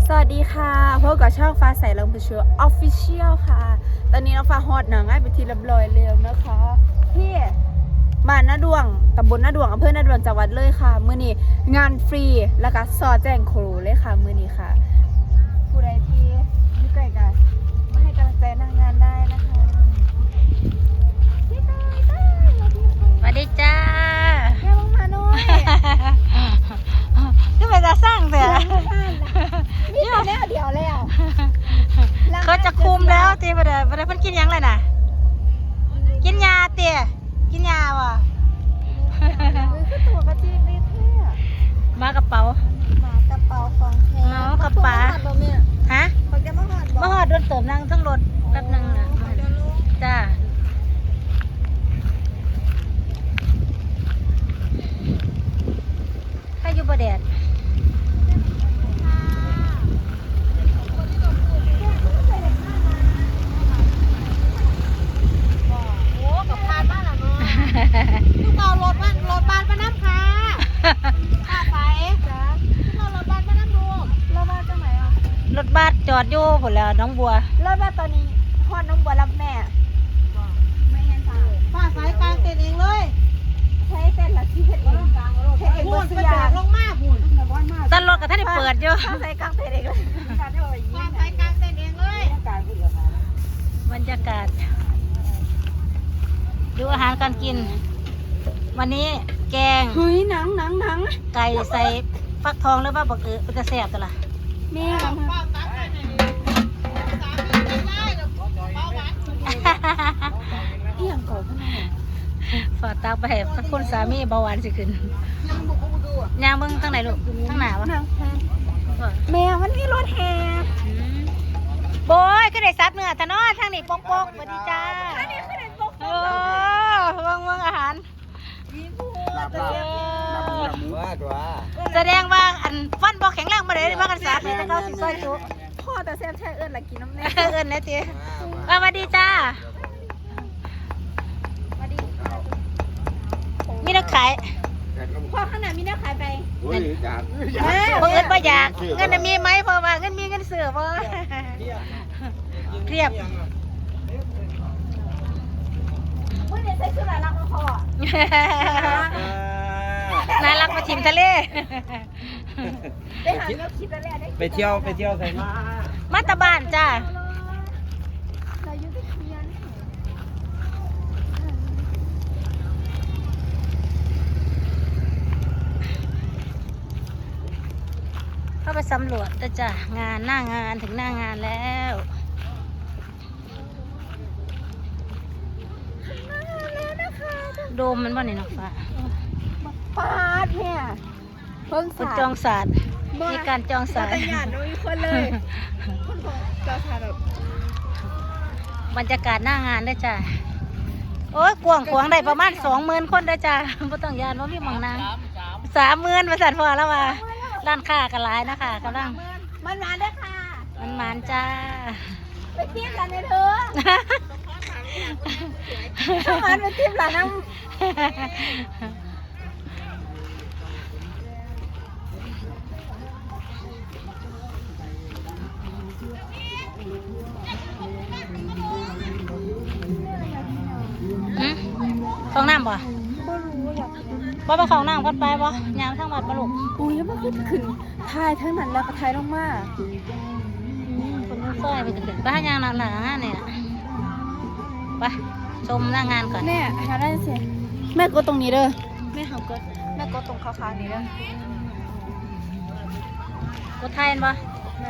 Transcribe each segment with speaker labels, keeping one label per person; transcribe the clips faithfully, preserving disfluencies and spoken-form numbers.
Speaker 1: สวัสดีค่ะพบกับช่องฟ้าใสลำพูชัวออฟฟิเชียลค่ะตอนนี้น้องฟ้าฮอดหนังง่ายไปทีเรียบร้อยแล้วนะคะที่บ้านนาดวงตำบลนาดวงอำเภอนาดวงจังหวัดเลยค่ะมื้อนี้งานฟรีแล้วก็ซอแจ้งครูเลยค่ะมื้อนี้ค่ะผู้ใดที่อยู่ใกล้กันมาให้กำลังใจนางงานได้นะคะพี่ต้อยต้อยสวัสดีค่ะ
Speaker 2: สวัสดีจ้า
Speaker 1: แม่บังมาหน่อย
Speaker 2: ก็ไปจะสร้างแต่
Speaker 1: นี่ตอนนี้เดียวแล้ว
Speaker 2: เขาจะคุมแล้วตีไปเลยไปเลยเพิ่นกินยังเลยน่ะกินยาเตี๋ยกินยาวะ
Speaker 1: คือตัวกระจีบนี่แท้
Speaker 2: มากระเป๋า
Speaker 1: หมากระเป๋าของแท้
Speaker 2: เมาส์กระเป๋า ฮะ
Speaker 1: เขาจะมาหอด
Speaker 2: มาหอดโดนเติมนั่งทั้งรถแป๊บนึงนะจ้าถ้าอยู่บ่แดด
Speaker 1: โอ้กับพานบ้านเราเนาะลูกเอารถบ้านรถบ้านมาน้ำค่ะข้าไปจ้าลูกเอารถบ้านมาน้ำลูกรถบ้านจังไหนอ่ะ
Speaker 2: รถบัสจอดอยู่ผลแล้วน้องบัว
Speaker 1: รถบ้านตอนนี้พ่อน้องบัวรับแม่ไม่เห็นค่ะป้าสายกลางเต็นเองเลยใช้เส้นละที่เห็ดเองเห็ดเองบนสุยาลงมาบุญ
Speaker 2: ต้นรถกับท่านได้เปิดอยู่
Speaker 1: ป้าสายกลางเต็นเองเลยป้าสายกลางเต็นเองเลย
Speaker 2: บรรยากาศ ดูอาหารการกิน วันนี้แกง
Speaker 1: เฮ้ยหนังหนังหนัง
Speaker 2: ไก่ใส่ฟักทองหรือว่าบักเออเป็นกระแสบตัวละ
Speaker 1: แม่มาเอี่ยงก่อนข้างใน
Speaker 2: ฝากตากไปให้สักคนสามีเบาหวานสิขึ้นย่างเบิ้งทั้งไหนลูกทั้งหนาวะ
Speaker 1: หนังแม่มันมีรถแห่
Speaker 2: อืมโบยก็ได้ซับเนื้อทะเนอทางนี้ปกๆสวัสดีจ้า
Speaker 1: อันนี้คือเด็กปก
Speaker 2: โอ้เบิ้งเบิ้งอาหาร
Speaker 1: มีผู้
Speaker 3: นับ
Speaker 1: จะ
Speaker 3: นับ
Speaker 1: เรียก
Speaker 3: นับนับมือตัว
Speaker 2: แสดงว่าอันฟันบ่แข็งแรงมาเลยมากันซับเลยแต่เขาสิซอยจุ
Speaker 1: พ่อแต่แซ่บแช่เอิญละกินน้ำแน่
Speaker 2: เอิ้นนะจีสวัสดีจ้า
Speaker 1: มาดิ
Speaker 2: มีนักขาย
Speaker 1: พ่อข้างหน้ามีน้าขายไป
Speaker 3: โอ้ยจาก
Speaker 2: บ่เอิ้นบ่อยากเงินน่ะมีไหมเพราะว่าเงินมีเงินเสือบ่เรียบ
Speaker 1: เมื่อเด็กใส่ชุดอะไรรักพ่อ
Speaker 2: น่ารักมาชิมทะเล
Speaker 1: ไปหาเนื้อคิดแล้วแหละได้
Speaker 3: ไปเที่ยวไปเที่ยวใส่มา
Speaker 2: มาตะบ้านจ้า
Speaker 1: เราอยู่ที่เคียน
Speaker 2: เข้าไปสำรวจแล้วจ้ะงานหน้างานถึงหน้างานแล้ว
Speaker 1: แล้วนะคะ
Speaker 2: โดมมันบ่นี่น้องฟ้า
Speaker 1: ปาดเนี่ยเพิ่ง
Speaker 2: คุณ
Speaker 1: สา
Speaker 2: จองศาสตร์มีการจองศาสตร์
Speaker 1: แต่หยาดน้อยคนเลยคนของเจ้าชายแบบ
Speaker 2: บรรยากาศหน้างานได้อจ้ะโอ้ยกวางขวางได้ประมาณสองหมื่นคนได้อจ้ะบ่ต้องยานว่ามีหมองนางสามหมื่นบริษัทพอแล้วว่าร้านค้ากันหลายนะคะกำลัง
Speaker 1: มันมาด้วยค่ะ
Speaker 2: มันมันจ้า
Speaker 1: ไปเทียบกันเลยเธอถ้ามันไปเทียบหลานน้
Speaker 2: หืมฟองน้ำบ่
Speaker 1: ำบ่รู้อยากกิน
Speaker 2: บ่ไปของน้ำกันไปบ่ยามทั้งวัดบ่ลูก
Speaker 1: อุ้ยมันขึ้นขึ้นทายทั้งนั้นแล้วก็ทายลงมา
Speaker 2: อืมคนนู้นซอยไปถึงไปหายางหลังหลังงานเนี่ยไปชมหน้างานก่อน
Speaker 1: แม่หาได้สิแม่กดตรงนี้เด้อแม่หากดแม่กดตรงขาวๆนี้เด้อ
Speaker 2: รถไทยเห็นบ่
Speaker 1: แม่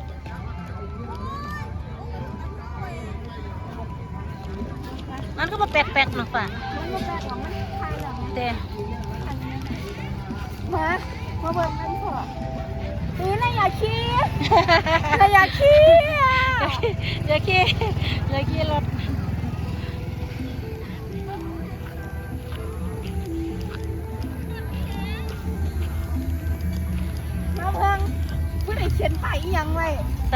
Speaker 2: มันก็มาแปลกๆหน่อยป่ะ
Speaker 1: มันมาแปลของมันทายแล้ว
Speaker 2: เต้
Speaker 1: มามาเบิ่งกันเถอะอุ้ยนายอยากขี้นายอยากขี้อ่ะ
Speaker 2: อย่าขี่อย่าขี่รถ
Speaker 1: มาเบิ่งผู้ใดเขียนไปอีหยังไว้
Speaker 2: ใส่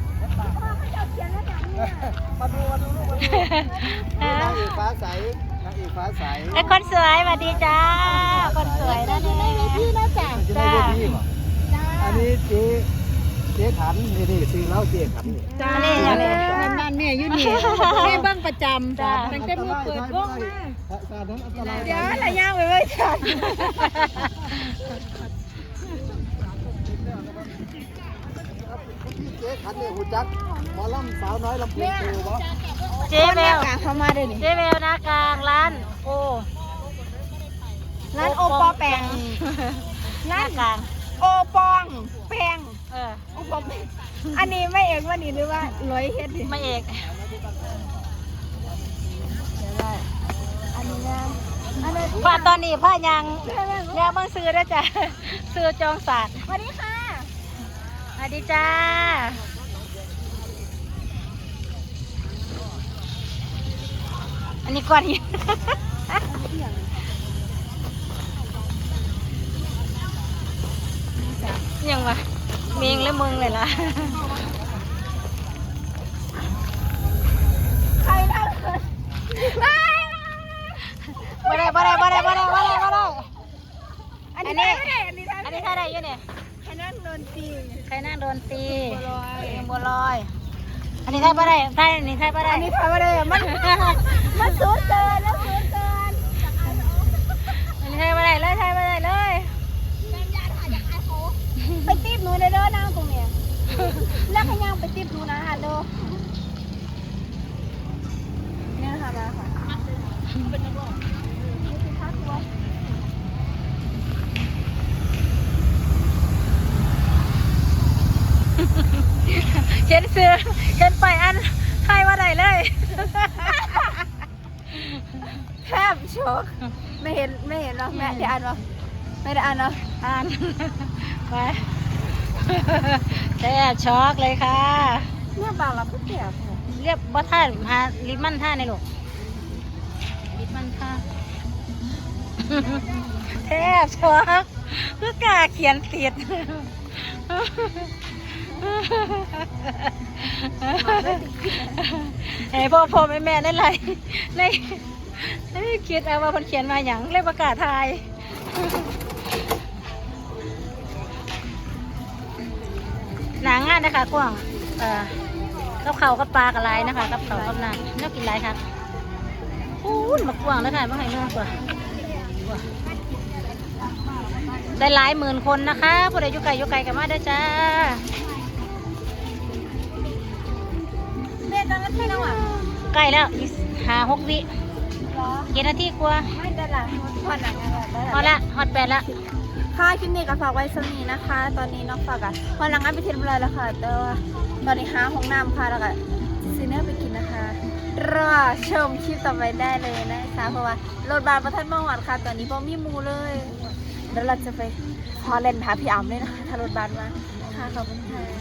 Speaker 1: พ่อเขาจะเขียนแล้วอย่างนี้
Speaker 3: มาดูมาดูลูกมาดูนางเอกฟ้าใสนางนี่ฟ้าใส
Speaker 2: ไอ้คนสวยสวัสดีจ้าคนสวยนะนี่ในที่นะจ้า
Speaker 3: จะได้เวทีป่ะอันนี้เจ๊เจ๊ขันนี่นี่ซื้อแล้วเจ๊ขันนี่
Speaker 2: จ้านี่อย่างนี้
Speaker 4: นั่นแม่อยู่นี่แม่เบิ่งประจำจ้ะตั้งแต่มือเปิดวงมา
Speaker 3: สานั้นอันตราย
Speaker 1: เดี๋ยวอะไรย่างไปไว้ฉัน
Speaker 3: เจ๊ขันนี่หูจักหมอลำสาวน้อยลำพูนโตบ่
Speaker 2: เจ๊เบล
Speaker 1: กลางเข้ามาด้วยนี่
Speaker 2: เจ๊เบลนะกลางร้านโอ
Speaker 1: ร้านโอปอแปง
Speaker 2: หน้ากลาง
Speaker 1: โอปองแปง
Speaker 2: เออ
Speaker 1: โอปองแปงอันนี้ไม่เอกว่านี่หรือว่าร้อยเฮ็ดดิ
Speaker 2: ไม่เอก
Speaker 1: อันนี้นะอันนี้
Speaker 2: ผ้าตอนนี้ผ้ายังยังบางซื้อได้จ้ะซื้อจองศาสตร์
Speaker 1: สวัสดีค่ะ
Speaker 2: สวัสดีจ้าอันนี้ก่อนอีกยังวะเมงและมึงเลยล่ะ
Speaker 1: ใครเล่าไม่
Speaker 2: บ่ได้บ่ได้บ่ได้บ่ได้บ่ได้บ่ได้
Speaker 1: อันนี้ไม่ได้อันนี้
Speaker 2: อันนี้ใครได้อยังเนี่ย
Speaker 1: ใครนั่งโดนตี
Speaker 2: ใครนั่งโดนตี
Speaker 1: บัวลอย
Speaker 2: เองบัวลอย อันนี้ใครบ่ได้ใครอันนี้ใครบ่ได้
Speaker 1: อันนี้ทำอะไรอะมันมันสูงเกินแล้วสูงเกิน
Speaker 2: อันนี้ใครบ่ได้เลยใครบ่ได้เลย
Speaker 1: ไปตีบหนูในเด้อนั่งตรงเนี้ยแล้วขยังไปตีบหนูนะฮัลโหลเนี่ยค่ะมาค่ะเป็นนักร้องนี่คือค่าตัว
Speaker 2: เขียนเสือเขียนไปอันใครบ่ได้เลย
Speaker 1: แทบช็อกไม่เห็นไม่เห็นหรอกแม่ได้อ่านหรอไม่ได้อ่านหรอ
Speaker 2: อ่าน ไปแทบช็อกเลยค่ะ
Speaker 1: เนี่ยบางเราก็เจ็บ
Speaker 2: เรียบบ่ท่าหาลิปมันท่าในลูกลิปมันท่า แทบช็อกคือกล้าเขียนติด ไอ้พ่อพ่อแม่แม่ได้ไรในในคิดเอาว่าคนเขียนมาอย่างเรียกประกาศทาย หนังงานนะคะกว้างเอ่อกับเขาวกับปลากับลายนะคะกับเขาวกับน้ำน่ากินไรครับอู้ยมากว้างแล้วค่ะมาให้น้องกว่าได้หลายหมื่นคนนะคะผู้ใดอยู่ไกลอยู่ไกลกันมาได้อจ้า
Speaker 1: แม่ตอนนั้นไม่น้องอ่ะ
Speaker 2: ใกล้แล้วอีกหาหกวิ
Speaker 1: หรอ
Speaker 2: กี่นาทีกว่า
Speaker 1: ไม่ได้ละผ่อนหนังอะไรได้
Speaker 2: พอละฮอดแปดละ
Speaker 1: ค่ะคลิปนี้ก็ฝากไว้สมีนะคะ ตอนนี้น้องฝากอ่ะพอหลังงานไปเทียนอะไรแล้วค่ะแต่ว่าตอนนี้หาห้องน้ำค่ะแล้วก็ซีเนอร์ไปกินนะคะรอชมคลิปต่อไปได้เลยนะคะเพราะว่ารถบาลประทัดมองหวัดค่ะ ตอนนี้พอมีมูเลยเดี๋ยวเราจะไปพอเล่นหาพี่อ๋ำเลยนะคะถ้ารถบาลมาค่ะขอบคุณค่ะ